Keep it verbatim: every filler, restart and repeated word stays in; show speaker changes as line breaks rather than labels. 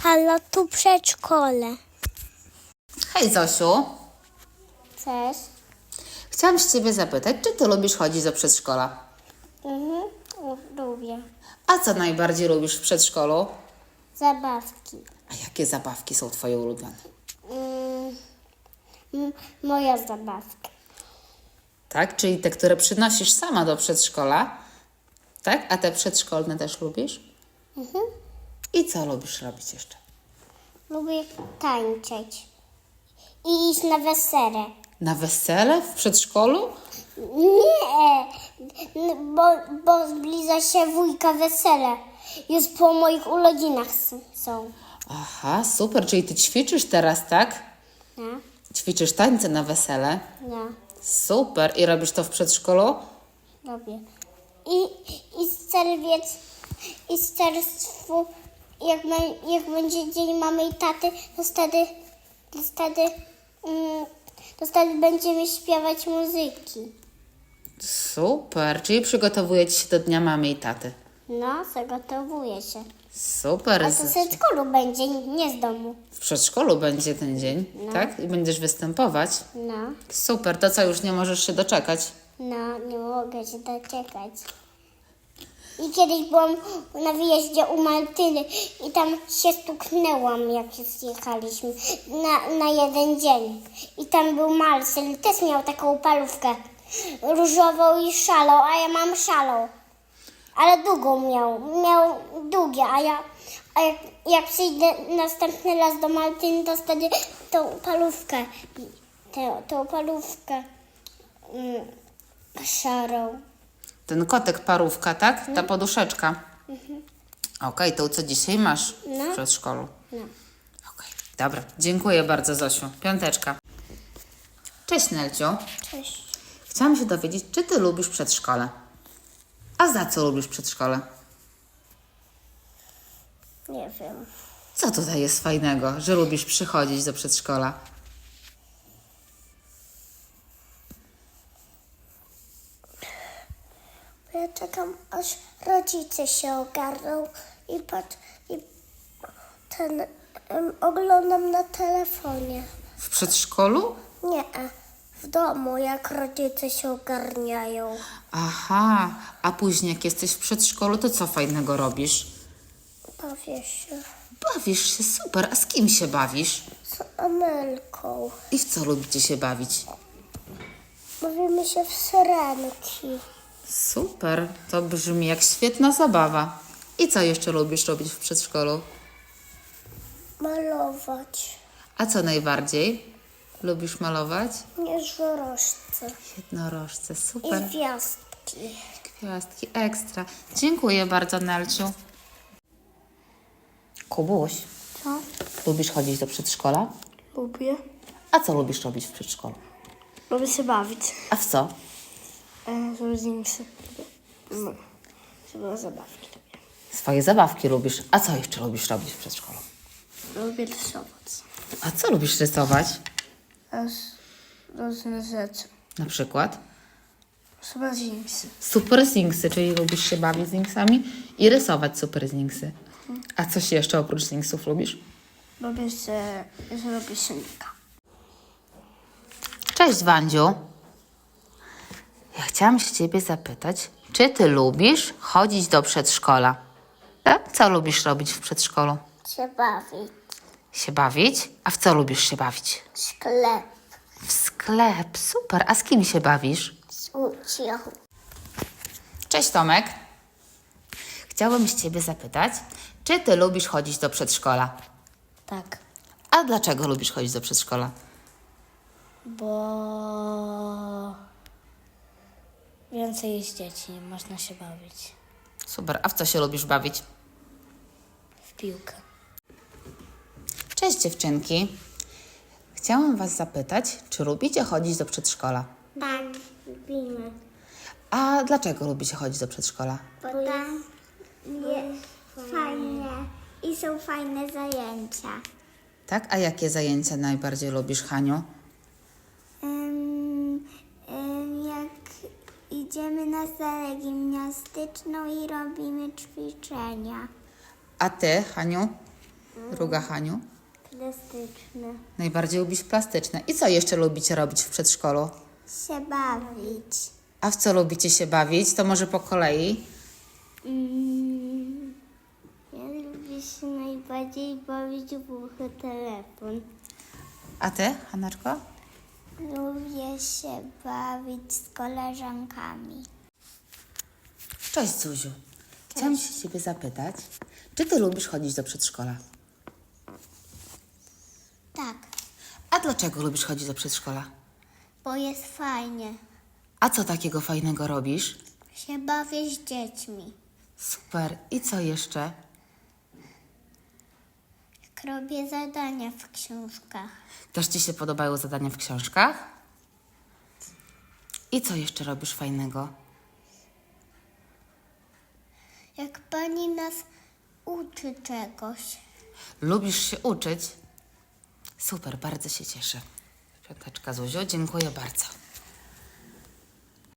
Halo, tu przedszkole.
Hej Zosiu,
Cześć.
chciałam się Ciebie zapytać, czy Ty lubisz chodzić do przedszkola?
Mhm, lubię.
A co najbardziej lubisz w przedszkolu?
Zabawki.
A jakie zabawki są Twoje ulubione?
Mm, m- moja zabawka.
Tak, czyli te, które przynosisz sama do przedszkola, tak? A te przedszkolne też lubisz?
Mhm.
I co lubisz robić jeszcze?
Lubię tańczyć. I iść na wesele.
Na wesele w przedszkolu?
Nie, n- bo, bo zbliża się wujka wesele. Już po moich urodzinach s- są.
Aha, super, czyli Ty ćwiczysz teraz, tak?
No,
Ćwiczysz tańce na wesele?
no,
Super, i robisz to w przedszkolu?
lubię. I, i z czerwiec, i z czerwcu, jak, ma- jak będzie dzień mamy i taty, to wtedy, to wtedy, mm, to wtedy będziemy śpiewać muzyki.
Super, czyli przygotowujecie się do Dnia Mamy i Taty.
No, zagotowuję się.
Super.
A to w
Zosiu.
przedszkolu będzie, nie z domu.
W przedszkolu będzie ten dzień,
No.
tak? I będziesz występować.
No,
Super, to co, już nie możesz się doczekać?
no, nie mogę się doczekać. I kiedyś byłam na wyjeździe u Martyny i tam się stuknęłam, jak się zjechaliśmy na, na jeden dzień. I tam był Marcel, też miał taką parówkę różową i szalą, a ja mam szalą. Ale długą miał, miał długie, a ja, a jak, jak przyjdę następny raz do Martyny, to wtedy tą parówkę, tę, tą parówkę mm, szarą.
Ten kotek parówka, tak? Ta poduszeczka. Okej, to co dzisiaj masz
No.
w przedszkolu?
No.
Okej, dobra. Dziękuję bardzo, Zosiu. Piąteczka. Cześć, Nelciu.
Cześć.
Chciałam się dowiedzieć, czy Ty lubisz przedszkole? A za co lubisz przedszkole?
Nie wiem.
Co tutaj jest fajnego, że lubisz przychodzić do przedszkola?
Ja czekam, aż rodzice się ogarną i patrz, i ten, em, oglądam na telefonie.
W przedszkolu?
Nie, w domu, jak rodzice się ogarniają.
Aha, a później jak jesteś w przedszkolu, to co fajnego robisz?
Bawię się
Bawisz się, super. A z kim się bawisz?
z Amelką.
I w co lubicie się bawić?
Bawimy się w syrenki.
Super, to brzmi jak świetna zabawa. I co jeszcze lubisz robić w przedszkolu?
Malować.
A co najbardziej? Lubisz malować?
Nieżorożce.
Jednorożce,
I
super.
gwiazdki.
Gwiazdki, ekstra. Dziękuję bardzo, Nelciu. Kubuś,
Co?
lubisz chodzić do przedszkola?
Lubię.
A co lubisz robić w przedszkolu?
Lubię się bawić.
A w co?
E, z różnymi no, żeby zabawki.
Swoje zabawki lubisz. A co jeszcze lubisz robić w przedszkolu?
Lubię rysować.
A co lubisz rysować?
Aż różne rzeczy.
Na przykład?
Super zingsy.
Super Zingsy, czyli lubisz się bawić z Zingsami i rysować Super Zingsy. A coś jeszcze oprócz Zingsów lubisz?
Lubię się, że robię szynka.
Cześć, Wandziu. Ja chciałam się Ciebie zapytać, czy Ty lubisz chodzić do przedszkola? Tak? Co lubisz robić w przedszkolu?
Się bawić.
Się bawić? A w co lubisz się bawić?
Sklep.
W sklep, super. A z kim się bawisz?
Z ucią.
Cześć, Tomek. Chciałabym się Ciebie zapytać, czy Ty lubisz chodzić do przedszkola?
Tak.
A dlaczego lubisz chodzić do przedszkola?
Bo więcej jest dzieci, można się bawić.
Super. A w co się lubisz bawić?
W piłkę.
Cześć, dziewczynki. Chciałam Was zapytać, czy lubicie chodzić do przedszkola?
Tak, lubimy.
A dlaczego lubicie chodzić do przedszkola?
Bo tam jest fajne i są fajne zajęcia.
Tak? A jakie zajęcia najbardziej lubisz, Haniu?
Ym, ym, jak idziemy na salę gimnastyczną i robimy ćwiczenia.
A Ty, Haniu? Druga, Haniu?
Plastyczne.
Najbardziej lubisz plastyczne. I co jeszcze lubicie robić w przedszkolu?
Się bawić.
A w co lubicie się bawić? To może po kolei.
Mm, ja lubię się najbardziej bawić w głuchy telefon.
A ty, Haneczko?
Lubię się bawić z koleżankami.
Cześć, Zuziu. Chciałam się ciebie zapytać, czy ty lubisz chodzić do przedszkola?
Tak,
A dlaczego lubisz chodzić do przedszkola?
bo jest fajnie.
A co takiego fajnego robisz?
Się bawię z dziećmi.
Super. I co jeszcze?
Jak robię zadania w książkach.
Też ci się podobają zadania w książkach? I co jeszcze robisz fajnego?
Jak pani nas uczy czegoś.
Lubisz się uczyć? Super, bardzo się cieszę. Piąteczka, Zuziu, dziękuję bardzo.